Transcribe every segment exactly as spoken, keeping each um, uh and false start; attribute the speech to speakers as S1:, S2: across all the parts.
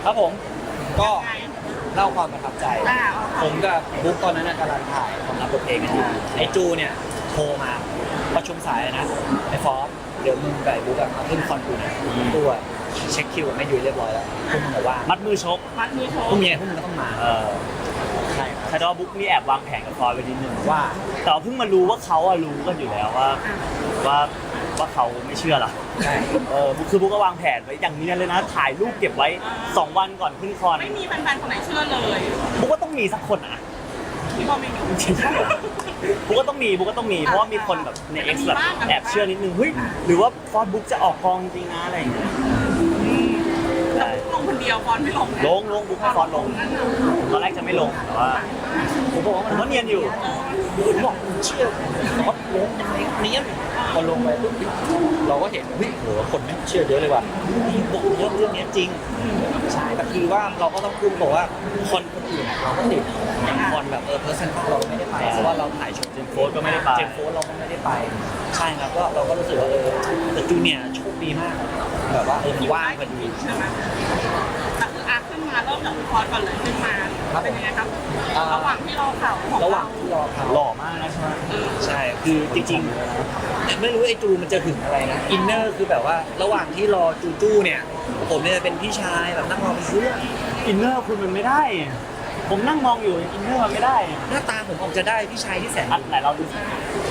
S1: ครับผมก็เล่าความประทับใจ
S2: อ่า
S1: ผมกับบุ๊กตอนนั้นนะกำลังถ่ายความลับบทเพลงกันอยู่ไอ้จูเนี่ยโทรมาประชุมสายนะไอ้ฟอสเดี๋ยวมึงกับไอ้บุ๊กอะมาขึ้นคอนกูนะตัวเช็คคิวไม่อยู่เรียบร้อยแล้วพวกมึงบอกว่ามัดมือชก
S2: มัดมือโช
S1: พวก
S2: ว์
S1: เมียพวกมึงก็ต้องมา
S3: เออ
S1: ใช่ครับ
S3: คาร์ดอบุ๊กนี่แอบวางแผนกับฟอยไปนิดนึง
S1: ว่า
S3: แต่เพิ่งมารู้ว่าเขาอะรู้กันอยู่แล้วว่าว่าว่าเขาไม่เชื่อหรอ
S1: ใช่
S3: เออบุ๊กคือบุ๊กก็วางแผนไว้อย่างนี้เลยนะ ถ่ายรูปเก็บไว้สองวันก่อนขึ้นคอน
S2: ไม่มีแฟนๆคนไหนเชื่อเลย
S3: บุ๊กก็ต้องมีสักคนอะ
S2: ที่พ่อไม่อยู่
S3: บุ๊กก็ต้องมีบุ๊กก็ต้องมีเพราะว่ามีคนแบบใน X แบบแอบเชื่อนิดนึงเฮ้ยหรือว่าฟอนบุ๊กจะออกกองจริงนะอะไรอย่างเงี้ย
S2: แต่ลงคนเดียวฟอนไม่ลงนะ
S3: ลงลงบุ๊กให้ฟอนลงตอนแรกจะไม่ลงแต่ว่าผมบอกว่ามันก็เนียนอยู่
S1: ผมบอกมึงเชื่อฟอสลงยังไงเนี้ยพอลงไปปุ๊บเราก็เห็นเฮ้ยโหคนไม่เชื่อเยอะเลยว่ะนี่บอกเรื่องเรื่องนี้จริงใช่แต่คือว่าเราก็ต้องพูดบอกว่าคนคนอื่นอะเราก็ติดอย่างคนแบบเออเพอร์เซนต์เราไม่ได้ไปเพราะว่าเราถ่ายโชว์
S3: เจมส์โฟร์ก็ไม่ได้ไป
S1: เจมส์โฟร์เราก็ไม่ได้ไปใช่ครับก็เราก็รู้สึกว่าเออแต่จูเนียร์โชคดีมากแบบว่าเออมันว่างพอดี
S2: ใช่ไหมแต่คืออาขึ้นมาเริ่มจากคอร์สก่อนเลยขึ้นมาเป็นยังไงครับระหว่างที่รอข่าวของ
S1: ระหว่างที่รอเขา
S3: หล่อมากนะใช่ไหม
S1: ใช่คือจริงๆไม่รู้ไอ้จูมันจะถึงอะไรนะอินเนอร์คือแบบว่าระหว่างที่รอจูจูเนี่ยผมเนี่ยเป็นพี่ชายแบบนั่งรอไปซื้อ
S3: อินเนอร์คุณมันไม่ได้ ผมนั่งมองอยู่อินเนอร์มันไม่ได้
S1: หน้าตาผมออกจะได้พี่ชายที่แสน
S3: อันไหนเราดูสิ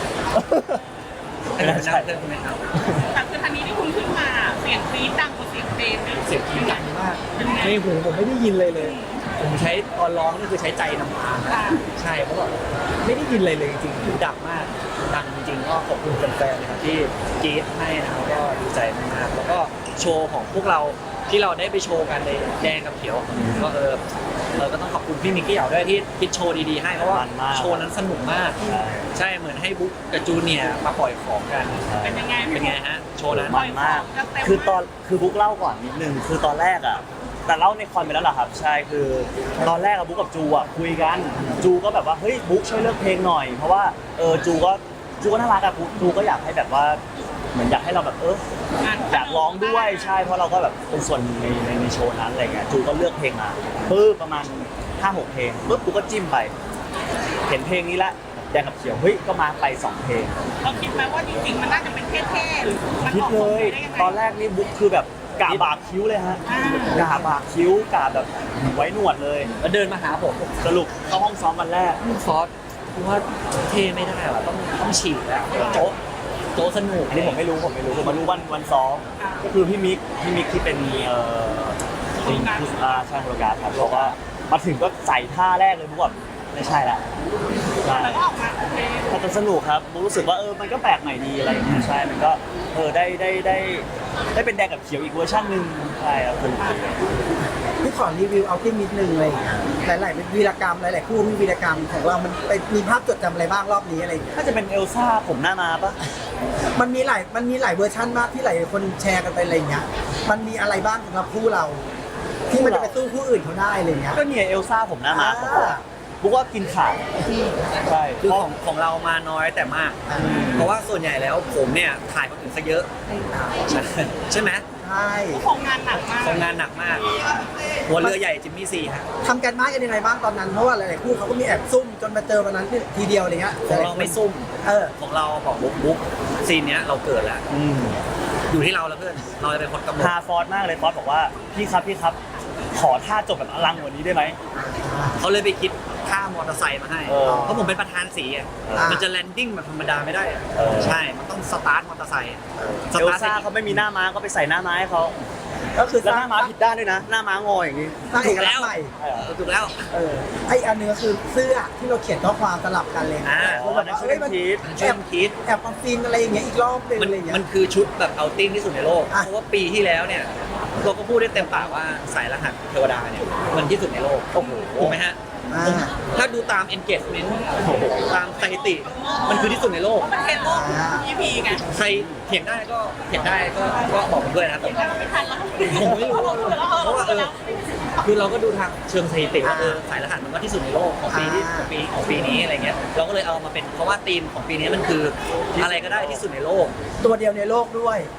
S1: ไม่ได้ใช่เพื่อนคุณไหมครับ
S2: แต่คือทันนี้ที่คุณขึ้นมาเสียงกรี๊ดดังกว่าเสียงเพลงนะ
S1: เสียงกรี๊ดดังมากในหูผมไม่ได้ยินเลยเลย ผมใช้ตอนร้องนี่คือใช้ใจนำทางใช่เพราะว่าไม่ได้ยินเลยเลยจริงๆหูดังมากดังจริงๆก็ขอบคุณแฟนๆนะครับที่กรี๊ดให้นะครับก็ดีใจมากๆแล้วก็โชว์ของพวกเราที่เราได้ไปโชว์กันในแดงกับเขียวก็เออเออก็ต้องขอบคุณพี่มิกกี้เหยาด้วยที่คิดโชว์ดีๆให้เพราะว่าโชว์นั้นสนุกมาก ใช่เหมือนให้บุ๊กกับจูเนียร์มาปล่อยของกัน
S2: เป็นยังไง
S1: เป็นไงฮะโชว์นั้น
S3: มันมาก คือตอนคือบุ๊กเล่าก่อนนิดนึงคือตอนแรกอ่ะแต่เล่าในคอนไปแล้วเหรอครับใช่คือตอนแรกอะบุ๊กกับจูอ่ะคุยกันจูก็แบบว่าเฮ้ยบุ๊กช่วยเลือกเพลงหน่อยเพราะว่าเออจูก็จูก็น่ารักอะจูก็อยากให้แบบว่าเหมือนอยากให้เราแบบเอออยากร้องด้วยใช่เพราะเราก็แบบเป็นส่วนในในในโชว์นั้นอะไรเงี้ยจูก็เลือกเพลงมาปึ๊บประมาณห้าหกเพลงปึ๊บบุ๊กก็จิ้มไป เห็นเพลงนี้ละแดงกับเขียวเฮ้ยก็มาไปสองเพลง
S2: เราคิดไหมว่าจริงๆมันน่าจะเป็นเท่ๆหรือมัน
S3: คิด
S2: ออก
S3: เล
S2: มาย ได้ยังไง
S3: ตอนแรกนี่บุ๊กคือแบบกาบากคิ้วเลยฮะ
S2: อ่า
S3: กาบากคิ้วกาแบบไว้หนวดเลย
S1: แล้วเดินมาหาผม
S3: สรุปเข้าห้องซ้อมวันแรก
S1: ฟอสคือว่าเท่ไม่ได้ว่ะต้องต้องฉีกแล้วโจ๊ะโจ๊ะสนุก
S3: อันนี้ผมไม่รู้ผมไม่รู้ผมมารู้วันวันซ้อมก็คือพี่มิกพี่มิกที่เป็นเอ่อเป็นอ่าใช่โปรการครับบอกว่ามาถึงก็ใส่ท่าแรกเลยบุ๊กแบบไม่ใช่ละใช่
S2: แต่ก็ออกมาโอเค
S3: แต่สนุกครับบุ๊กรู้สึกว่าเออมันก็แปลกใหม่ดีอะไรอย่างเงี้ยใช่มันก็เออได้ได้ได้ได้เป็นแดงกับเขียวอีกเวอร์ชันหนึ่งใช่ครับสนุกดี
S4: พี่ขอรีวิวเอาที่นิดนึงอะไรอย่างเลยหลายๆวีรกรรมหลายๆคู่มีวีรกรรมของเรา มันไปมีภาพจดจำอะไรบ้างรอบนี้อะไรอย่างเงี้ย
S3: น่าจะเป็นเอลซ่าผมหน้ามาปะ
S4: มันมีหลายมันมีหลายเวอร์ชันมากที่หลายคนแชร์กันไปอะไรอย่างเงี้ยมันมีอะไรบ้างสำหรับคู่เรา ที่มันจะไปสู้คู่อื่นเขาได้อะไรอย่างเงี้ย
S3: ก็เนี่ยเอลซ่าผมหน้ามาของผม
S4: อ่า
S3: บุ๊กว่ากินขาดใช่
S1: คือของของเรามาน้อยแต่มาก เพราะว่าส่วนใหญ่แล้วผมเนี่ยถ่ายคนอื่นซะเยอะใช่ใช่ไหม
S4: ใช่
S2: ของงานหนักมาก
S1: ทำงานหนักมาก หัวเรือใหญ่จิมมี่ซีฮะ
S4: ทำกันบ้านกันยังไงบ้างตอนนั้นเพราะว่าหลายๆคู่เขาก็มีแอบซุ่มจนมาเจอวันนั้นทีเดียวอะไรเงี้ย
S1: ของเราไม่ซุ่ม
S4: เออ
S1: ของเราบอกบุ๊กบุ๊กซีนเนี้ยเราเกิดแล้ว
S3: อืม
S1: อยู่ที่เราแล้วเพื่อนเราจะเป็นคนกำหนด
S3: พาฟอร์ดมากเลยฟอร์ดบอกว่าพี่ครับพี่ครับ ขอท่าจบแบบอลังกว่านี้ได้ไหม
S1: เขาเลยไปคิดค่ามอเตอร์ไซค์มาให้
S3: เออ
S1: เพราะผมเป็นประธานสีอะ
S4: อ่ามั
S1: มันจะแลนดิ้งแบบธรรมดาไม่ได้อะ
S3: เออ
S1: ใช่ มันต้องสตาร์ทมอเตอร์ไซค์ส
S3: เอล
S1: ตาร์ท
S3: ซ่าเขาไม่มีหน้าม้าก็ไปใส่หน้าม้าให้เขา
S4: ก็คือ
S3: แล้วหน้าม้าผิดด้านด้วยนะ หน้าม้างออย่างนี้
S4: สร้างเอกลักษณ์ใหม่
S1: เออถูกแล้ว
S4: เออไออันนึงก็คือเสื้อที่เราเขียนข้อความสลับกันเลย
S1: อ่า
S4: เพราะแบบว่าเอ้ยมัน
S3: คิด
S1: ช่วยกันคิด
S4: แอบมาฟินอะไรอย่างเงี้ยอีกรอบหนึง
S1: มัน
S4: อะไรอย่างเงี้ย
S1: มันคือชุดแบบเอาติ้งที่สุดในโลก
S4: อ่ะ
S1: เพราะว่าปีที่แล้วเนี่ย เราก็พูดได้เต็มปากว่าสายรหัสเทวดาเนี่ยมันที่สุดในโลก
S3: โอ้โห
S1: ถูกไหมฮะ
S4: อ่า
S1: ผมถ้าดูตาม engagement ตามสถิติ มันคือที่สุดในโลก
S2: มันเทรนโลก อี พี ไง
S1: ใครเถียงได้ก็เถียงได้ก็ก็บอกผมด้วยนะครับ
S2: ไม่ทันแล้ว
S1: ผมไม่รู้เพราะว่าเออคือเราก็ดูทางเชิงสถิติว่าเออสายรหัสมันก็ที่สุดในโลกของปีที่ของปีของปีนี้อะไรเงี้ยเราก็เลยเอามาเป็นเพราะว่าธีมของปีนี้มันคืออะไรก็ได้ที่สุดในโลก
S4: ตัวเดียวในโลกด้วย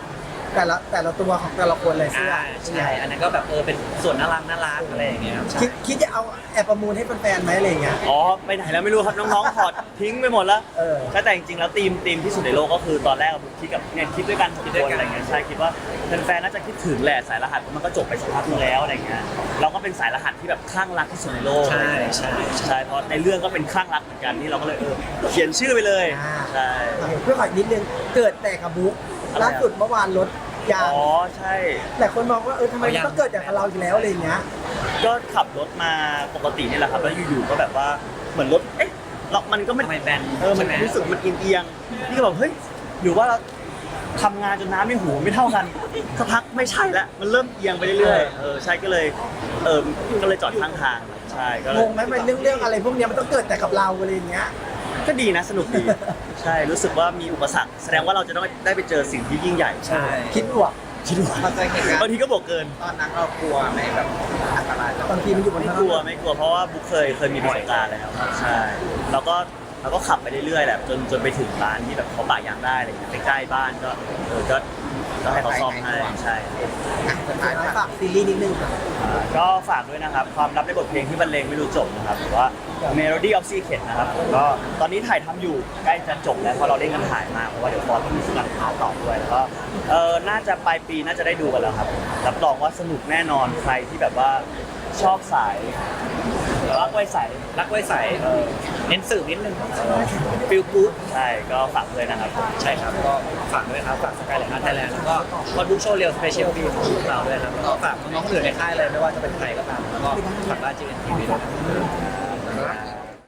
S4: แต่ละแต่ละตัวของแต่ละคนเลยเสื้อ
S1: อ่าใช่อันนั้นก็แบบเออเป็นส่วนน่ารักน่ารักอะไรอย่างเงี้ยครับใช่
S4: คิดคิดจะเอาแอบประมูลให้แฟนๆไหมอะไรอย่างเงี้ย
S3: อ๋อไปไหนแล้วไม่รู้ครับน้องๆถอดทิ้งไปหมดแล้ว
S4: เออ
S3: ใช่แต่จริงๆแล้วทีมทีมที่สุดในโลกก็คือตอนแรกอะบุ๊คคิดกับเนี่ยคิดด้วยกันหกคนอะไรเงี้ยใช่คิดว่าแฟนๆน่าจะคิดถึงแหละสายรหัสมันก็จบไปสักพักนึงแล้วอะไรเงี้ยเราก็เป็นสายรหัสที่แบบคลั่งรักที่สุดในโลก
S1: ใช่ใช่
S3: ใช่เพราะในเรื่องก็เป็นคลั่งรักเหมือนกันที่เราก็เลยเออเขียนชื่อไปเลย
S4: อ่า
S3: ใช่
S4: เพื่อขออีกนิดนึงเกิดแต่กับบุ๊ก
S3: อะไรอะ
S4: ล่าสุดเมื่อวานรถยาง
S3: อ๋อใช่
S4: แต่คนมองว่าเออทำไมมันต้องเกิดจากเราอีกแล้วอะไรอย่างเงี้ย
S3: ก็ขับรถมาปกตินี่แหละครับแล้วอยู่ๆก็แบบว่าเหมือนรถเอ๊ะเรามันก็ไม่
S1: ทำไมแบน
S3: เออมัน
S1: ใช่ไหม
S3: รู้สึกมันเอียงๆนี่ก็แบบเฮ้ยหรือว่าเราทำงานจนน้ำในหูไม่เท่ากันสักพักไม่ใช่ละมันเริ่มเอียงไปเรื่อยๆเออใช่ก็เลยเออก็เลยจอดข้างทางใช่ก็เล
S4: ง
S3: ย
S4: งไหมมันเรื่องเรื่องอะไรพวกเนี้ยมันต้องเกิดแต่กับเราอะไรอย่างเงี้ย
S3: ก็ดีนะสนุกดีใช่รู้สึกว่ามีอุปสรรคแสดงว่าเราจะต้องได้ไปเจอสิ่งที่ยิ่งใหญ่
S1: ใช่
S4: คิดบวก
S3: คิดว่า
S5: เราเคยเห็นการ
S3: บางทีก็บอกเกิน
S5: ตอนนั้นเรากลัวไหมแบบอันตรายแบบ
S4: บางทีมันอยู่บน
S3: ไม่
S4: ถนน
S3: กลัวไม่กลัวเพราะว่าบุ๊คเคยเคยมีประสบการณ์แล้วใช่แล้วก็เราก็ขับไปเรื่อยๆแหละจนจนไปถึงร้านที่แบบเขาปะยางได้อะไรอย่างเงี้ยใกล้ๆบ้านก็เออก็ก็ให้เขาซ่อมให้ใช่
S5: อ่ะสุดท้าย
S4: ฝา
S5: ฝาก
S4: กซีรีส์นิดนึงค่ะ
S3: อ่าก็ฝากด้วยนะครับความลับในบทเพลงที่บรรเลงไม่รู้จบนะครับหรือว่า Melody of Secret นะครับผมก็ตอนนี้ถ่ายทำอยู่ใกล้จะจบแล้วเพราะเราเร่งกันถ่ายมากเพราะว่าเดี๋ยวฟอร์ต้องมีการถ่ายต่อด้วยแล้วก็เออน่าจะปลายปีน่าจะได้ดูกันแล้วครับรับรองว่าสนุกแน่นอนใครที่แบบว่าชอบสายรักไว้ใส
S1: รักไว้ใส
S3: เออ
S1: เน้นสื่อนิดนึงฟิลกู๊ด
S3: ใช่ก็ฝากด้วยนะครับ
S1: ใช่ครับก็ฝากด้วยครับฝากสกายไลน์อาร์ตไทยแลนด์แล้วก็คอนบุ๊กโชว์เรียลสเปเชียลฟีของพวกเราด้วยครับแล้วก็ฝากน้องๆคนอื่นในค่ายเลยไม่ว่าจะเป็นใครก็ตามแล้วก็ฝากบ้านจีเอ็นทีวีด้วยนะครับ